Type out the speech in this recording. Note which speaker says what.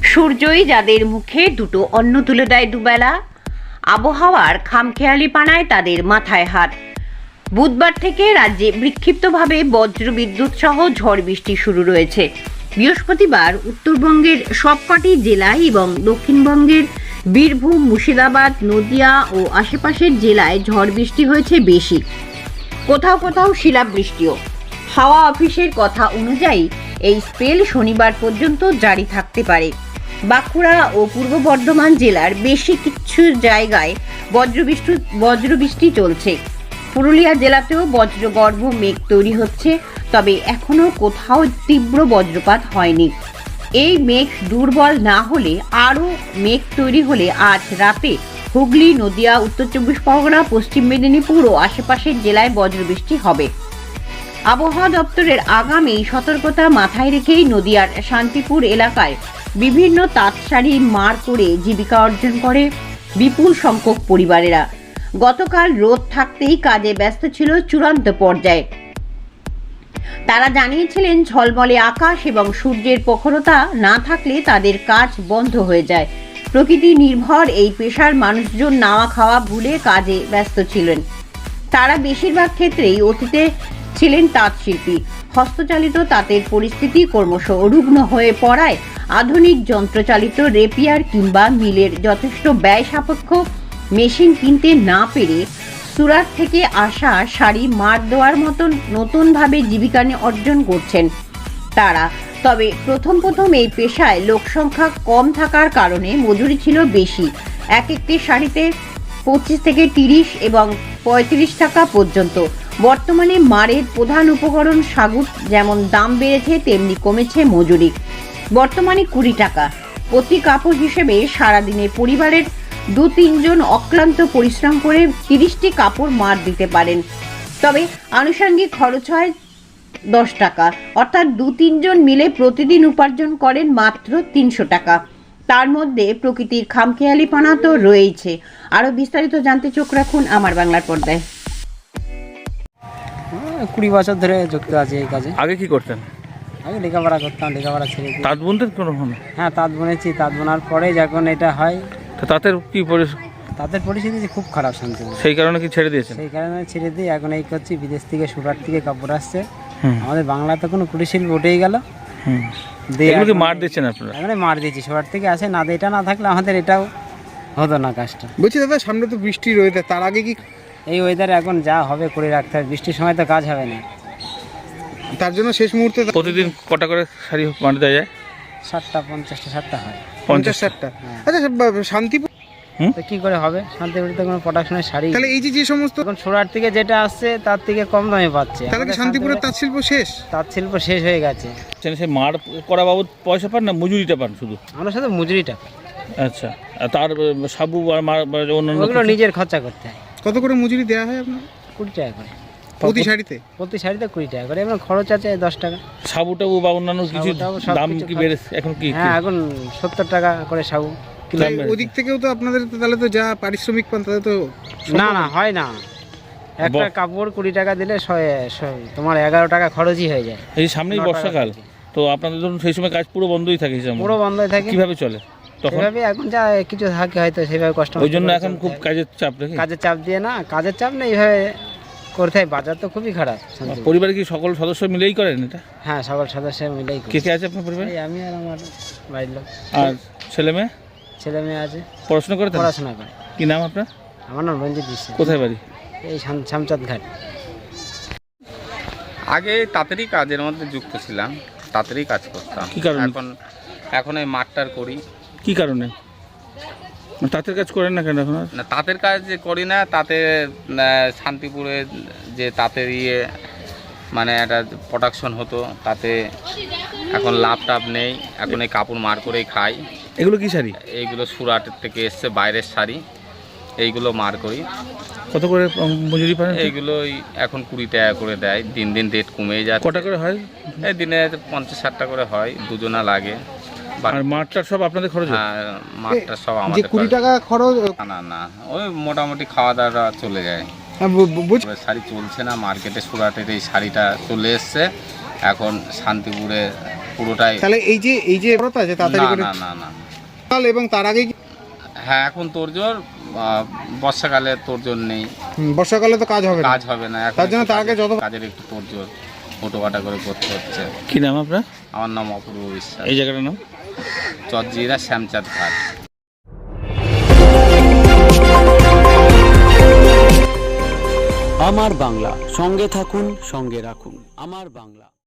Speaker 1: সূর্যই যাদের মুখে দুটো অন্ন তুলে দেয় দুবেলা, আবহাওয়ার খামখেয়ালিপানায় তাদের মাথায় হাত। বুধবার থেকে রাজ্যে বিক্ষিপ্তভাবে বজ্রবিদ্যুৎ সহ ঝড় বৃষ্টি শুরু রয়েছে। বৃহস্পতিবার উত্তরবঙ্গের সবকটি জেলায় এবং দক্ষিণবঙ্গের বীরভূম, মুর্শিদাবাদ, নদিয়া ও আশেপাশের জেলায় ঝড় বৃষ্টি হয়েছে বেশি, কোথাও কোথাও শিলাবৃষ্টিও। হাওয়া অফিসের কথা অনুযায়ী এই স্পেল শনিবার পর্যন্ত জারি থাকতে পারে। বাঁকুড়া ও পূর্ব বর্ধমান জেলার বেশি কিছু জায়গায় বজ্রবৃষ্টি চলছে। পুরুলিয়া জেলাতেও বজ্রগর্ভ মেঘ তৈরি হচ্ছে, তবে এখনও কোথাও তীব্র বজ্রপাত হয়নি। এই মেঘ দুর্বল না হলে আরও মেঘ তৈরি হলে আজ রাতে হুগলি, নদিয়া, উত্তর চব্বিশ পরগনা, পশ্চিম মেদিনীপুর ও আশেপাশের জেলায় বজ্রবৃষ্টি হবে। আবহাওয়া দপ্তরের আগামী সতর্কতা মাথায় রেখেই নদিয়ার শান্তিপুর এলাকায় বিভিন্ন তাঁতশাড়ি মার করে জীবিকা অর্জন করে বিপুল সংখ্যক পরিবারেরা। গতকাল রোদ থাকতেই কাজে ব্যস্ত ছিল চূড়ান্ত পর্যায়ে। তারা জানিয়েছিলেন ঝলমলে আকাশ এবং সূর্যের প্রখরতা না থাকলে তাদের কাজ বন্ধ হয়ে যায়। প্রকৃতি নির্ভর এই পেশার মানুষজন নাওয়া খাওয়া ভুলে কাজে ব্যস্ত ছিলেন। তারা বেশিরভাগ ক্ষেত্রেই অতীতে ছিলেন তাঁত শিল্পী। হস্তচালিত তাঁতের পরিস্থিতি ক্রমশ রুগ্ন হয়ে পড়ায় আধুনিক যন্ত্রচালিত রেপিয়ার কিংবা মিলের যথেষ্ট ব্যয় সাপেক্ষ মেশিন কিনতে না পেরে সুরাট থেকে আসা শাড়ি মার দেওয়ার মতন নতুনভাবে জীবিকা অর্জন করছেন তারা। তবে প্রথম এই পেশায় লোকসংখ্যা কম থাকার কারণে মজুরি ছিল বেশি। একটি শাড়িতে 25 থেকে 30 এবং 35 টাকা পর্যন্ত। বর্তমানে মারের প্রধান উপকরণ সাগুর যেমন দাম বেড়েছে, তেমনি কমেছে মজুরি। বর্তমানে 20 টাকা প্রতি কাপড় হিসেবে সারাদিনে পরিবারের 2-3 জন অক্লান্ত পরিশ্রম করে 30টি কাপড় মার দিতে পারেন। তবে আনুষঙ্গিক খরচ হয় 10 টাকা, অর্থাৎ 2-3 জন মিলে প্রতিদিন উপার্জন করেন মাত্র 300 টাকা। তার মধ্যে প্রকৃতির খামখেয়ালিপনা তো রয়েছে। আরো বিস্তারিত জানতে চোখ রাখুন আমার বাংলার পর্দায়।
Speaker 2: 20 বছর ধরে যুক্ত আছে এই কাজে।
Speaker 3: আগে কি করতেন?
Speaker 2: আগে লেখাপড়া করতাম, লেখাপড়া ছেড়ে দিই।
Speaker 3: তাঁত বুনতেন কোনো?
Speaker 2: হ্যাঁ, তাঁত বুনেছি। তাঁত বোনার পরে যখন এটা হয়,
Speaker 3: তো তাঁতের কি
Speaker 2: তাঁতের পরিস্থিতি খুব খারাপ শান্তি,
Speaker 3: সেই কারণে কি ছেড়ে দিয়েছেন?
Speaker 2: সেই কারণে ছেড়ে দিই। এখন এই করছি, বিদেশ থেকে সুরাট থেকে কাপড় আসছে। আমাদের বাংলাতে কোনো কুটিরশিল্প উঠেই গেল।
Speaker 3: এগুলো কি মার দিচ্ছেন আপনারা?
Speaker 2: এখানে মার দিচ্ছি, সুরাট থেকে আসে না। এটা না থাকলে আমাদের এটাও হতো না কাজটা।
Speaker 4: বলছি দাদা, সামনে তো বৃষ্টি রয়েছে, তার আগে কি
Speaker 2: এই ওয়েদারে এখন যা হবে করে রাখতে হবে। বৃষ্টির সময় তো কাজ হবে না,
Speaker 4: তার জন্য শেষ মুহূর্তে
Speaker 3: প্রতিদিন কটা করে শাড়ি মার দেওয়া যায়?
Speaker 2: 60টা 50টা হয়।
Speaker 4: 50-60টা। আচ্ছা, শান্তিপুর
Speaker 2: তো কি করে হবে? শান্তিপুরিতে কোনো প্রোডাকশনের শাড়ি,
Speaker 4: তাহলে এই যে সমস্ত
Speaker 2: এখন সুরাট থেকে যেটা আসছে তার থেকে কম দামে পাচ্ছে।
Speaker 4: তাহলে কি শান্তিপুরের তাঁত শিল্প শেষ?
Speaker 2: তাঁত শিল্প শেষ হয়ে গেছে।
Speaker 3: সে মার করা বাবদ পয়সা পান না মজুরিটা পান শুধু?
Speaker 2: আমরা শুধু মজুরিটা।
Speaker 3: আচ্ছা, আর তার সাবু আর মার অন্যান্য
Speaker 2: ওগুলো নিজের খরচা করতে হয়।
Speaker 4: কত করে মজুরি দেওয়া হয় আপনার?
Speaker 2: 20 টাকা করে
Speaker 4: প্রতি শাড়িতে?
Speaker 2: প্রতি শাড়িতে 20 টাকা করে। এবং খরচ আছে 10 টাকা।
Speaker 3: সাবু টাবু বা অন্যান্য কিছু দাম কি বেড়েছে এখন? কি
Speaker 2: হ্যাঁ, এখন 70 টাকা করে সাবু কিলো।
Speaker 4: ওদিক থেকেও তো আপনাদের তাহলে তো যা পারিশ্রমিক পান তাহলে তো
Speaker 2: না হয় না। একটা কাপড় 20 টাকা দিলে তোমার 11 টাকা খরচই হয়ে যায়।
Speaker 3: এই সামনেই বর্ষাকাল, তো আপনাদের ধরুন সেই সময় কাজ পুরো বন্ধই থাকে।
Speaker 2: পুরো বন্ধই থাকে।
Speaker 3: কিভাবে চলে তখন?
Speaker 2: এখন যা কিছু থাকে হয়তো সেভাবে কষ্ট।
Speaker 3: ওই জন্য এখন খুব কাজের চাপ নাকি?
Speaker 2: কাজের চাপ দিয়ে না, কাজের চাপ না, এইভাবে করতে হয়। বাজার তো খুবই খারাপ।
Speaker 3: পরিবারে কি সকল সদস্য মিলেই করেন এটা?
Speaker 2: হ্যাঁ, সকল সদস্য মিলেই করি।
Speaker 3: কে কে আছে আপনার পরিবারে?
Speaker 2: আমি আর আমার বাড়ির লোক।
Speaker 3: আর ছেলে মেয়ে
Speaker 2: আছে,
Speaker 3: পড়াশোনা করে?
Speaker 2: পড়াশোনা করে।
Speaker 3: কি নাম আপনার?
Speaker 2: আমার নাম রঞ্জিত বিশ্বাস।
Speaker 3: কোথায় বাড়ি?
Speaker 2: এই শামচাঁদ ঘাট।
Speaker 5: আগে তাঁতেরই কাজের মধ্যে যুক্ত ছিলাম, তাঁতেরই কাজ করতাম।
Speaker 3: কি কারণে?
Speaker 5: এখন এই মাঠটার করি।
Speaker 3: কি কারণে তাঁতের কাজ করেন না কেন এখন?
Speaker 5: না, তাঁতের কাজ যে করি না, তাতে শান্তিপুরে যে তাঁতের মানে একটা প্রোডাকশন হতো, তাতে এখন লাভ টাভ নেই। এখন এই কাপড় মার করেই খাই।
Speaker 3: এগুলো কি শাড়ি?
Speaker 5: এইগুলো সুরাটের থেকে এসছে, বাইরের শাড়ি। এইগুলো মার করি।
Speaker 3: কত করে মজুরি পান?
Speaker 5: এইগুলোই এখন 20 টাকা করে দেয়। দিন দিন রেট কমে যায়।
Speaker 3: কটা করে হয়?
Speaker 5: এই দিনে 50-60টা করে হয়, দুজনা লাগে।
Speaker 3: আর মাঠটা সব আপনাদের খরচ?
Speaker 5: মাঠটা সব আমাদের।
Speaker 4: 20 টাকা খরচ?
Speaker 5: না, ওই মোটামুটি খাওয়া দাওয়া চলে যায়। শাড়ি চলছে না মার্কেটে। সুরাটের এই শাড়িটা চলে এসছে, এখন শান্তিপুরে পুরোটাই।
Speaker 4: তাহলে এই যে ব্রত আছে
Speaker 5: না
Speaker 4: তাড়াতাড়ি করে
Speaker 5: না না না
Speaker 4: কাল এবং তার আগে কি
Speaker 5: হ্যাঁ এখন তোড়জোড়, বর্ষাকালে তোড়জোড় নেই,
Speaker 4: বর্ষাকালে তো কাজ হবে না।
Speaker 5: কাজ হবে না এখন,
Speaker 4: তার জন্য
Speaker 5: একটু
Speaker 4: তার আগে
Speaker 5: কাজের- কাজের একটু তোড়জোড় ফটোকাটা করে করতে হচ্ছে।
Speaker 3: কি নাম আপনার?
Speaker 5: আমার নাম অপূর্ব বিশ্বাস,
Speaker 3: এই জায়গাটার নাম?
Speaker 5: চরজিরা শ্যামচাঁদ ঘাট।
Speaker 6: আমার বাংলা, সঙ্গে থাকুন, সঙ্গে রাখুন। আমার বাংলা।